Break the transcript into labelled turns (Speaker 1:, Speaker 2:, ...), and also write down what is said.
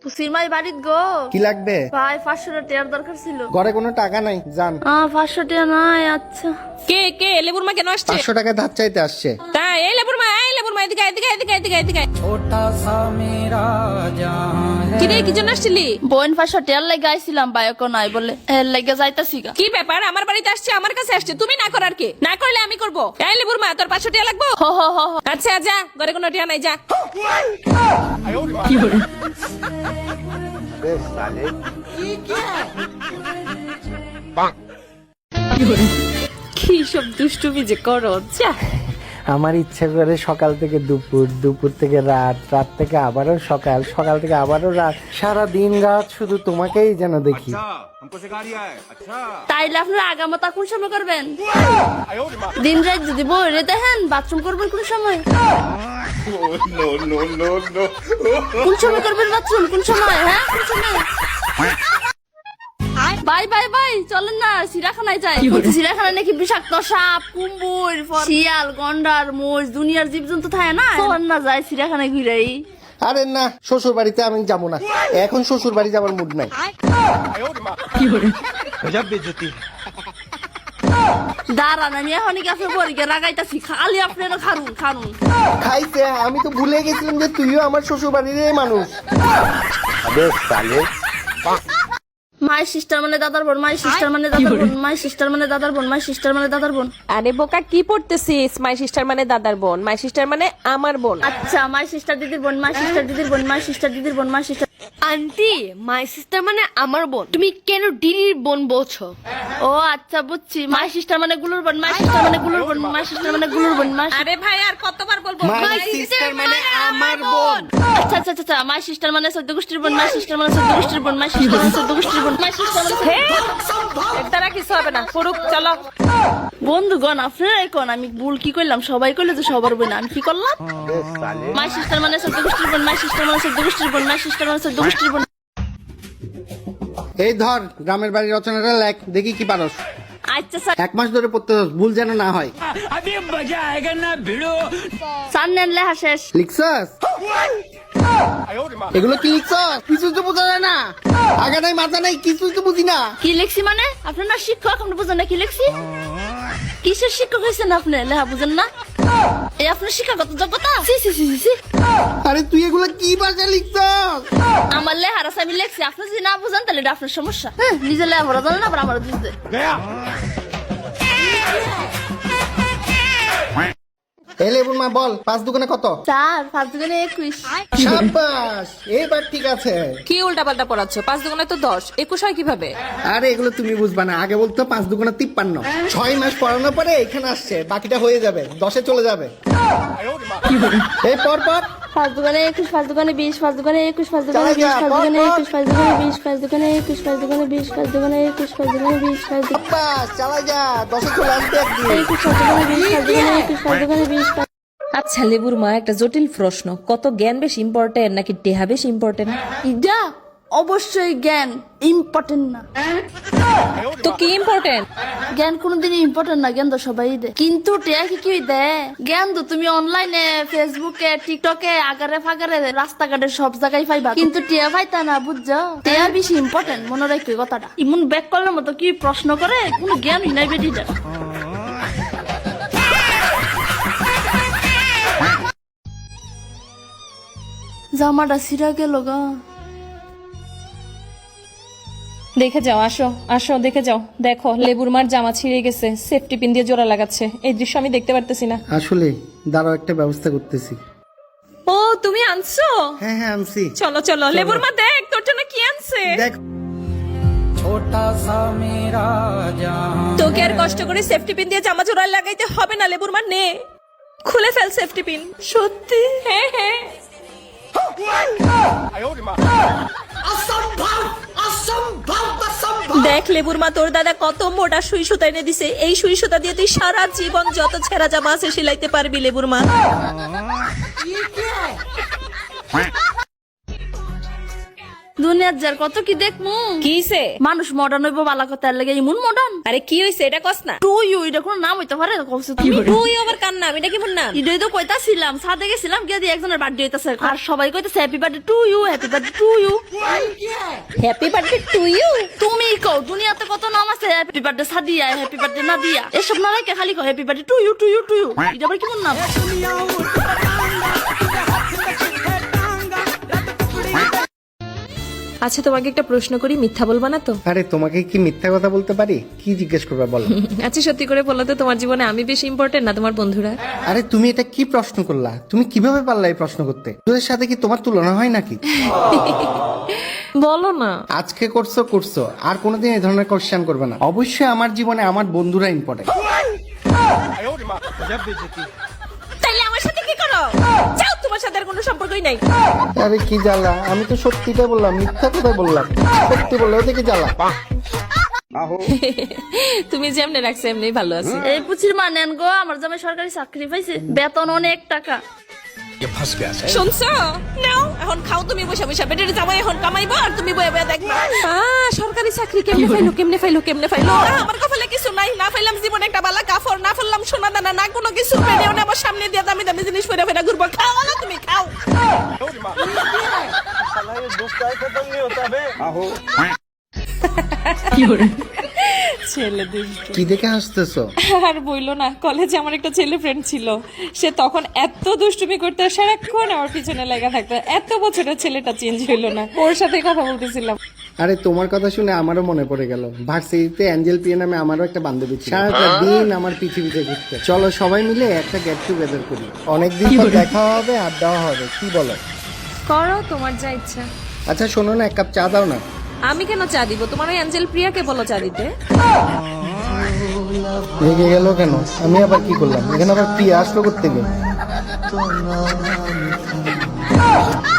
Speaker 1: পুসির মাই বাড়িত গো।
Speaker 2: কি লাগবে?
Speaker 1: ভাই 500 টাকার দরকার ছিল।
Speaker 2: ঘরে কোনো টাকা নাই, যান।
Speaker 1: 500 টাকা নাই। আচ্ছা
Speaker 3: কে কে লেবুর মা কেন আসছে?
Speaker 2: 500 টাকা ধার চাইতে আসছে।
Speaker 3: তাই এই লেবুর মা এদিকে এদিকে এদিকে এদিকে এদিকে। কি রে কি জন্য আসছিলি?
Speaker 1: বোন 500 টাকার লাগে আইছিলাম, বাইক নাই বলে এর লাগে যাইতাছি গা।
Speaker 3: কি ব্যাপার? আমার বাড়িতে আসছে, আমার কাছে আসছে, তুমি না করার কে? না করলে আমি করব। এই লেবুর মা তোর 500 টাকা লাগবে?
Speaker 1: হো হো হো হো।
Speaker 3: আচ্ছা যা, ঘরে কোনো টাকা নাই, যা। কি সব দুষ্টুমি যে করো, যা।
Speaker 2: আমার ইচ্ছা করে সকাল থেকে দুপুর, দুপুর থেকে রাত, রাত থেকে আবারও সকাল, সকাল থেকে আবারও রাত, সারা দিন রাত শুধু তোমাকেই যেন দেখি।
Speaker 4: हमको सिखा रिया है अच्छा।
Speaker 1: তাইলে আপনারা আগামতা কোন সময় করবেন? দিন রাত যদি বইরে দেখেন, বাথরুম করবেন কোন সময়? কোন সময় করবেন বাথরুম? কোন সময়? হ্যাঁ কোন সময়? বাই বাই বাই, চলেন না চিড়িয়াখানায় যাই। চিড়িয়াখানায় নাকি বিষাক্ত সাপ, কুম্ভীর, শিয়াল, গন্ডার, মোষ, দুনিয়ার জীবজন্তু থাকে না। চলেন না যাই চিড়িয়াখানায় ঘুরাই।
Speaker 2: আরে না, শ্বশুর বাড়িতে আমি যাবো না, এখন শ্বশুর বাড়ি যাবার মুড নাই।
Speaker 1: দাঁড়ান, আমি এখনই কাছে পরীকে রাগাইতাছি, খালি আপনারা খারুন খারুন।
Speaker 2: খাইছে, আমি তো ভুলে গেছিলাম যে তুইও আমার শ্বশুর বাড়ির মানুষ।
Speaker 1: মাই সিস্টার মানে দাদার বোন, মাই সিস্টার মানে দাদার বোন, মাই সিস্টার মানে দাদার বোন, মাই সিস্টার মানে দাদার বোন।
Speaker 3: আরে বোকা কি পড়তেছিস? মাই সিস্টার মানে দাদার বোন, মাই সিস্টার মানে আমার বোন।
Speaker 1: আচ্ছা, মাই সিস্টার দিদির বোন, মাই সিস্টার দিদির বোন, মাই সিস্টার দিদির বোন, my sister.
Speaker 5: Aunty, my sister মানে আমার বোন, তুমি কেন দিদির বোন বলছো?
Speaker 1: ও আচ্ছা বুঝছি, মাই সিস্টার মানে গুলুর বোন, মাই সিস্টার মানে গুলুর বোন, মাই সিস্টার মানে গুলুর বোন, মাই।
Speaker 3: আরে ভাই আর কতবার বলবো?
Speaker 2: মাই সিস্টার মানে আমার বোন।
Speaker 1: আচ্ছা আচ্ছা আচ্ছা, মাই সিস্টার মানে 14 গোষ্ঠীর বোন, মাই সিস্টার মানে 14 গোষ্ঠীর বোন, মাই সিস্টার মানে 14 গোষ্ঠীর বোন, মাই সিস্টার মানে।
Speaker 3: এর দ্বারা কিছু হবে না, ফুরুক চলো।
Speaker 1: বন্ধুগণ আপনারাই কোন, আমি ভুল কি করলাম? সবাই কইলে তো সবার বোন, আমি কি করলাম? মাই সিস্টার মানে 14 গোষ্ঠীর বোন, মাই সিস্টার মানে 14 গোষ্ঠীর বোন, মাই সিস্টার মানে 14 গোষ্ঠীর বোন।
Speaker 2: এই ধর গ্রামের বাড়ির রচনাটা লেখ, দেখি কি পারস।
Speaker 1: আচ্ছা স্যার,
Speaker 2: 1 মাস ধরে পড়তে হস, ভুল যেন না হয়।
Speaker 1: স্যার নেন লেখা শেষ।
Speaker 2: লিখছস? এগুলো কি লিখছস? কিছু তো বোঝা যায় না, আগা নাই মাথা নাই, কিছু তো বুঝি না।
Speaker 1: কি লিখছি মানে? আপনার শিক্ষক, আপনি বুঝেন না কি লিখছি? কিসের শিক্ষক হয়েছেন আপনি? লেখা বুঝেন না? এই আপনার শিক্ষাগত যোগ্যতা? C C C C.
Speaker 2: আরে তুই এগুলো কি ভাষা লিখছস?
Speaker 1: আমার লেখার আছে, আমি লিখছি। আপনি যদি না বুঝেন তাহলে এটা আপনার সমস্যা। হ্যাঁ, নিজের লেখা ভরা জানেন, আবার আমার বুঝতে।
Speaker 2: এই লেবুর মা বল, 5 দুগুণে কত?
Speaker 1: স্যার 5 দুগুণে 21।
Speaker 2: শাবাশ, এইবার ঠিক আছে।
Speaker 3: কি উল্টা পাল্টা পড়াচ্ছ? 5 দুগুণে তো 10, 21 হয় কিভাবে?
Speaker 2: আরে এগুলো তুমি বুঝবা না, আগে বলতো 5 দুগুণে 53। 6 মাস পড়ানোর পরে এখানে আসছে, বাকিটা হয়ে যাবে, 10-এ চলে যাবে। এই পর পর
Speaker 1: 5 দুগুণে 21, 5 দুগুণে 20, 5 দুগুণে 21, 5 দুগুণে 20, 5 দুগুণে 21, 5 দুগুণে 20, 5 দুগুণে 21, 5 দুগুণে 20, 5 দুগুণে 21, 5 দুগুণে 20, 5 দুগুণে
Speaker 2: বাস চালা যা, 10-এ চলে আসবে একদিন।
Speaker 1: 21, 5 দুগুণে 20, 5 দুগুণে 21, 5 দুগুণে 20।
Speaker 3: আচ্ছা লেবুর মা, একটা জটিল প্রশ্ন, কত জ্ঞান বেশি ইম্পর্টেন্ট নাকি টেহা বেশি ইম্পর্টেন্ট?
Speaker 1: এটা অবশ্যই জ্ঞান ইম্পর্টেন্ট না।
Speaker 3: তো কি ইম্পর্টেন্ট?
Speaker 1: জ্ঞান কোনোদিনই ইম্পর্টেন্ট না, জ্ঞান তো সবাই দেয়, কিন্তু টেয়া কি দেয়? জ্ঞান তো তুমি অনলাইনে, ফেসবুকে, টিকটকে, আগারে ফাগারে, রাস্তাঘাটে সব জায়গায় পাইবা, কিন্তু টেয়া পাইতা না, বুঝছো? টেয়া বেশি ইম্পর্টেন্ট, মনে রাখবে কথাটা। ইমন ব্যাক করার মতো কি প্রশ্ন করে, কোনো জ্ঞানই নাই বেটিটা। জামাটা ছিঁড়া গেল গা।
Speaker 3: দেখে যাও, আসো আসো দেখে যাও। দেখো লেবুর মার জামা ছিঁড়ে গেছে, সেফটি পিন দিয়ে জোড়া লাগাচ্ছে। এই দৃশ্য আমি দেখতে পারতেছি না।
Speaker 2: আসলে দাঁড়াও, একটা ব্যবস্থা করতেছি।
Speaker 3: ও তুমি আনছো?
Speaker 2: হ্যাঁ হ্যাঁ আনছি।
Speaker 3: চলো চলো লেবুর মা, দেখ তোর জন্য কি আনছে।
Speaker 2: দেখ,
Speaker 3: তোকে আর কষ্ট করে সেফটি পিন দিয়ে জামা জোড়া লাগাইতে হবে না লেবুর মা, নে খুলে ফেল সেফটি পিন। সত্যি? হ্যাঁ হ্যাঁ। দেখ লেবুর মা, তোর দাদা কত মোটা সুই সুতা এনে দিছে, এই সুই সুতা দিয়ে তুই সারা জীবন যত ছেঁড়া জামা আছে সেলাইতে পারবি লেবুর মা।
Speaker 1: দুনিয়ার যার কত কি দেখমু
Speaker 3: কিসে?
Speaker 1: মানুষ মডার্ন হইব বালা কথা লাগে ইমন মডার্ন
Speaker 3: আরে কি হইছে এটা কস না।
Speaker 1: টু ইউ এটা কোনো নাম হইতে পারে কইছো তুমি
Speaker 3: তুই আবার কান নাম, এটা কি মোর নাম?
Speaker 1: ইডই তো কইতাছিলাম সাথে গেছিলাম গিয়ে দিয়ে একজনের বার্থডে হইতাছে আর সবাই কইতাছে happy birthday to you happy birthday to you.
Speaker 3: Happy birthday to you.
Speaker 1: তুমি কও দুনিয়াতে কত নাম আছে happy birthday Sadia happy birthday Nadia এসব না রাখে খালি কও happy birthday to you to you to you এটা আবার কেমন নাম?
Speaker 3: আচ্ছা তোমাকে একটা প্রশ্ন করি, মিথ্যা বলবা না তো?
Speaker 2: আরে তোমাকে কি মিথ্যা কথা বলতে পারি? কি জিজ্ঞেস করবা বলো।
Speaker 3: আচ্ছা সত্যি করে বলো তো, তোমার জীবনে আমি বেশি ইম্পর্টেন্ট না তোমার বন্ধুরা?
Speaker 2: আরে তুমি এটা কি প্রশ্ন করলা? তুমি কিভাবে পারলা এই প্রশ্ন করতে? তোদের সাথে কি তোমার তুলনা হয় নাকি?
Speaker 3: বলো না।
Speaker 2: আজকে করছো আর কোনোদিন এই ধরনের কোশ্চেন করবে না। অবশ্যই আমার জীবনে আমার বন্ধুরা ইম্পর্টেন্ট।
Speaker 3: তাইলে আমার সাথে কি করো? যাও, তোমার সাথে আর কোনো সম্পর্কই নাই।
Speaker 2: আরে কি জ্বালা, আমি তো সত্যিটা বললাম, মিথ্যা কথাই বললাম। সত্যি বললে ওতে কি জ্বালা?
Speaker 3: তুমি যেমনে রাখছো এমনি ভালো আছে।
Speaker 1: এই পুচির মা নেন গো আমার জামাই সরকারি চাকরি পাইছে বেতন অনেক টাকা।
Speaker 3: শুনছো? নাও এখন খাও তুমি বসে বসে, পেটের জামাই এখন কামাইবো আর তুমি বয়ে বয়ে দেখবা। সরকারি চাকরি কেমনে ফাইলো। আমার কপালে কিছু নাই, না ফাইলাম জীবনে একটা বালা কাফর, না ফেললাম সোনা দানা, না কোনো কিছু পেরেও না আমার সামনে দিয়ে দামি দামি জিনিস ফেরা ফেরা ঘুরবো। খাও না তুমি খাও। ছেলে দুষ্ট।
Speaker 2: কি দেখে হাসতেছো?
Speaker 3: আর বইলো না, কলেজে আমার একটা ছেলে ফ্রেন্ড ছিল, সে তখন এত দুষ্টুমি করতে সারাক্ষণ আমার পিছনে লাগা থাকতো। এত বছরের ছেলেটা চেঞ্জ হইলো না, ওর সাথে কথা বলতেছিলাম।
Speaker 2: আরে তোমার কথা শুনে আমারও মনে পড়ে গেল। ভার্সিটিতে অ্যাঞ্জেল পিয়া নামে আমারও একটা বান্ধবী ছিল। সারাটা দিন আমার পৃথিবীতে ঘুরতে। চলো সবাই মিলে একটা গেট টুগেদার করি, অনেকদিন পর দেখা হবে, আড্ডা হবে, কি বলো?
Speaker 3: করো, তোমার যা ইচ্ছা।
Speaker 2: আচ্ছা শোনো না, এক কাপ চা দাও না।
Speaker 3: আমি কেন চা দিব? তোমার ওই অ্যাঞ্জেল প্রিয়াকে বলো চা দিতে।
Speaker 2: রেগে গেল কেন? আমি আবার কি করলাম? এখানে আবার প্রিয়া আসলো করতে গেলে